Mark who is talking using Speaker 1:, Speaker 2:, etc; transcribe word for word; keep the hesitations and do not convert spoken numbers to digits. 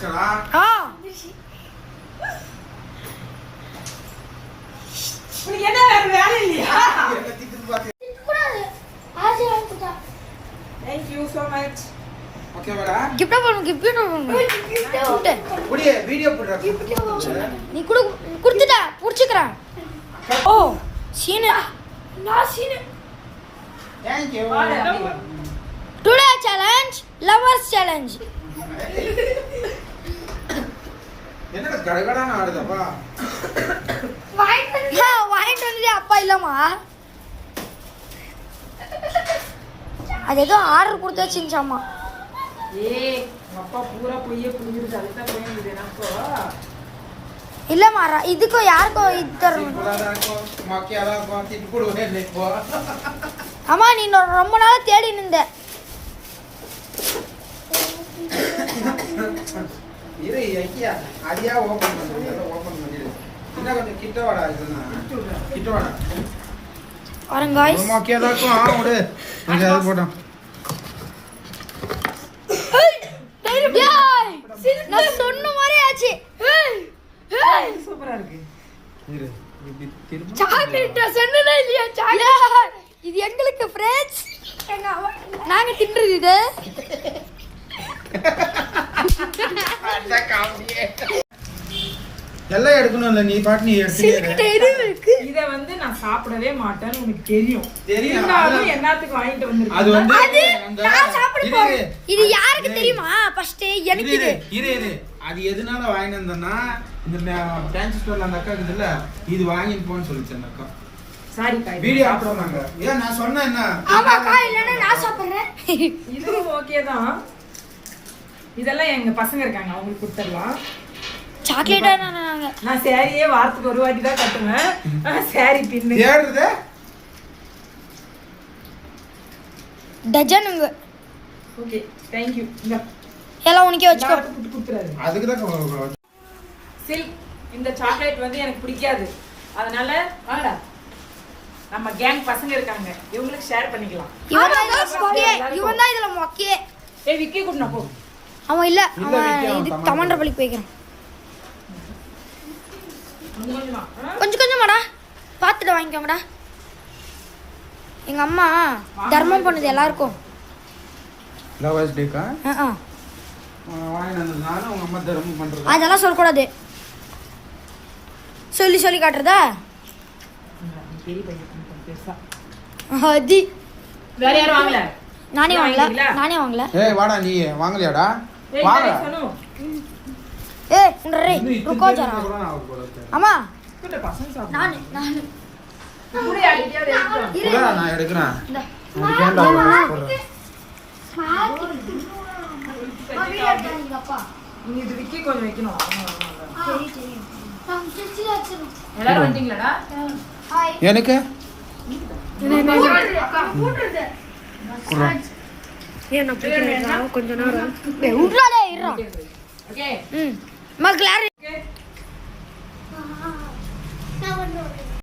Speaker 1: வந்துச்சடா
Speaker 2: ஆ
Speaker 3: உனக்கு என்ன வேற வேலை இல்லையா
Speaker 1: என்ன திட்டு பாத்து
Speaker 4: கூடாது ஆசை வாங்கிட்டா
Speaker 3: thank you so much
Speaker 1: okay வாடா
Speaker 2: கிஃப்ட் பண்ணு கிஃப்ட் பண்ணு கிஃப்ட்
Speaker 1: புடியே வீடியோ போடுறா
Speaker 2: நீ குடு குடுத்துடா புடிச்சுக்கறேன் ஓ சீனு
Speaker 4: நான் Seenu
Speaker 1: thank you
Speaker 2: today challenge lovers challenge
Speaker 1: என்னடா கடகடான ஆடுதப்பா
Speaker 4: வாங்கிட்டு
Speaker 2: ஹா வாங்கிட்டு வந்து அப்பா இல்லம்மா அது ஏதோ ஆர்டர் கொடுத்து வச்சிருச்சாமா
Speaker 3: ஏய் அப்பா பூரா பொய்யே புரிஞ்சிருச்சு அதுதான் போயிடுது எனக்கு
Speaker 2: இல்லம்மா இதுக்கோ யாருக்கோ இது தரணும்
Speaker 1: சிம்பிளாடா இருக்கும் மக்கியாடா இருக்கும் திட்டு போடுவே இல்லை இப்போ
Speaker 2: அம்மா நீ இன்னும் ரொம்ப நாளா தேடி நின்ற
Speaker 1: இரு ஐயா அடியா ஓபன் பண்ணுங்க ஓபன் பண்ணிடு என்ன கொஞ்சம் கிட்ட வாடா இதுனா கிட்ட வாடா
Speaker 2: வரேன் गाइस
Speaker 1: மக்கியாடா இருக்கும் ஆ விடு இங்க அது போடலாம்
Speaker 2: நான் சொன்ன மாதிரி ஆச்சு
Speaker 3: சூப்பரா இருக்கு
Speaker 1: இரு இப்படி திரும்ப
Speaker 2: சாக்லேட் சொன்னதே இல்லையா சாக்லேட் இது எங்களுக்கு ஃப்ரெண்ட்ஸ் நாங்க தின்றது இது
Speaker 1: அட காமியே எல்லாம் எடுக்கணும் இல்ல நீ பாட்டு நீ எடுத்துட்டே
Speaker 2: இருக்கு
Speaker 3: இத வந்து நான் சாப்பிடவே மாட்டேன்னு உனக்கு தெரியும்
Speaker 1: தெரியும்.
Speaker 3: இருந்தாலும் என்னத்துக்கு வாங்கிட்டு வந்திருக்கேன்
Speaker 1: அது வந்து
Speaker 2: அது
Speaker 1: அந்த
Speaker 2: நான் சாப்பிட
Speaker 1: இரு,
Speaker 2: போறேன்
Speaker 1: இரு.
Speaker 2: இது யாருக்கு
Speaker 1: ஏய்.
Speaker 2: தெரியுமா ஃபர்ஸ்ட் எனக்கு
Speaker 1: இரு,
Speaker 2: இது
Speaker 1: இரு இரு அது எதனால வாங்கிட்டு வந்தேன்னா இந்த டான்ஸ் ஸ்டோர்ல அந்த அக்கா இருக்குதுல்ல இது வாங்கிட்டு போன்னு சொல்லிச்சு அந்த அக்கா
Speaker 3: சாரி காய்
Speaker 1: வீடியோ சாப்பிடுவாங்க ஏன் நான் சொன்னேன் என்ன
Speaker 2: ஆமாக்கா இல்லன்னா நான் சாப்பிடுறேன்
Speaker 3: இதுவும் ஓகே தான் இதெல்லாம் எங்க பசங்க இருக்காங்க அவங்களுக்கு கொடுத்துடலாம்
Speaker 2: சாக்லேட்டா நாங்க
Speaker 3: நான் சாரியே வாரத்துக்கு ஒரு வாட்டி தான் கட்டுவேன் சாரி பின்னு
Speaker 1: தேடுறது
Speaker 2: டஜனுங்க
Speaker 3: ஓகே தேங்க் யூ இந்த
Speaker 2: எல்லாம் உனக்கே வச்சுக்கோ
Speaker 3: கொடுத்து கொடுத்துறாரு
Speaker 1: அதுக்கு தான்
Speaker 3: சில்க் இந்த சாக்லேட் வந்து எனக்கு பிடிக்காது அதனால வாடா நம்ம கேங் பசங்க இருக்காங்க இவங்களுக்கு ஷேர் பண்ணிக்கலாம்
Speaker 2: இவன் தான் இதுல மொக்கையே இவன் தான் இதுல மொக்கையே
Speaker 3: ஏய் விக்கி கூட்டினா போ
Speaker 2: அவன் இல்ல
Speaker 1: இல்ல,
Speaker 2: அவன்
Speaker 1: விக்கி, அவன்
Speaker 2: இது
Speaker 1: தமாண்டா
Speaker 2: தமண்டர் பள்ளிக்கு போய்க்கிறான்
Speaker 3: கொஞ்சம் கொஞ்சமா ஆ?
Speaker 2: கொஞ்சம் கொஞ்சமாடா பார்த்துட்டு வாங்கிக்கோங்கடா எங்க அம்மா தர்மம் பண்ணுது எல்லாருக்கும்
Speaker 1: லவர்ஸ் டேக்கா
Speaker 2: ஆ ஆ.
Speaker 1: வாங்கிட்டு வந்ததுனால உங்க அம்மா தர்மம் பண்றது
Speaker 2: அதெல்லாம் சொல்லக்கூடாது சொல்லி சொல்லி காட்டுறதா
Speaker 3: பெரிய பையன் கொஞ்சம் பெருசா
Speaker 2: அது
Speaker 3: வேற யாரும் வாங்கல
Speaker 2: நானே வாங்கல
Speaker 3: வாங்கிட்டீங்களா?
Speaker 2: நானே வாங்கல
Speaker 1: ஏய் வாடா நீ வாங்கலையாடா
Speaker 3: ஏய்
Speaker 1: வாடா
Speaker 3: guys, சனு
Speaker 2: ஏய் உன்றே
Speaker 1: இன்னும் இத்தனை
Speaker 2: ருக்கோ
Speaker 1: பேருக்கு
Speaker 2: ஜரா
Speaker 1: கூட நான் அவர் போல இருக்கேன்.
Speaker 2: அம்மா
Speaker 3: கூட பசங்க சாப்பிடு
Speaker 2: நான் நான்
Speaker 3: கூட யார்கிட்டயாவது எடுத்துட்டு வா.
Speaker 1: கூட நான் எடுக்கிறேன்
Speaker 2: இந்த
Speaker 1: அதுக்கு ஏன்டா அவ்வளவு போடுறேன்
Speaker 4: அப்பா
Speaker 3: நீ இது விக்கி கொஞ்சம் வைக்கணும் ஆமா, ஆமா, ஆமா.
Speaker 4: சரி சரி நான் சிச்சி வச்சிரும்
Speaker 3: எல்லாரும் வந்துட்டீங்களாடா
Speaker 4: ஹாய்
Speaker 1: எனக்கு
Speaker 4: கூட்டுறது
Speaker 2: ஏன் நான் கொஞ்ச நேரம் ஏய் உட்றாடே இருடா
Speaker 3: ஓகே
Speaker 2: ம் மக்களாரே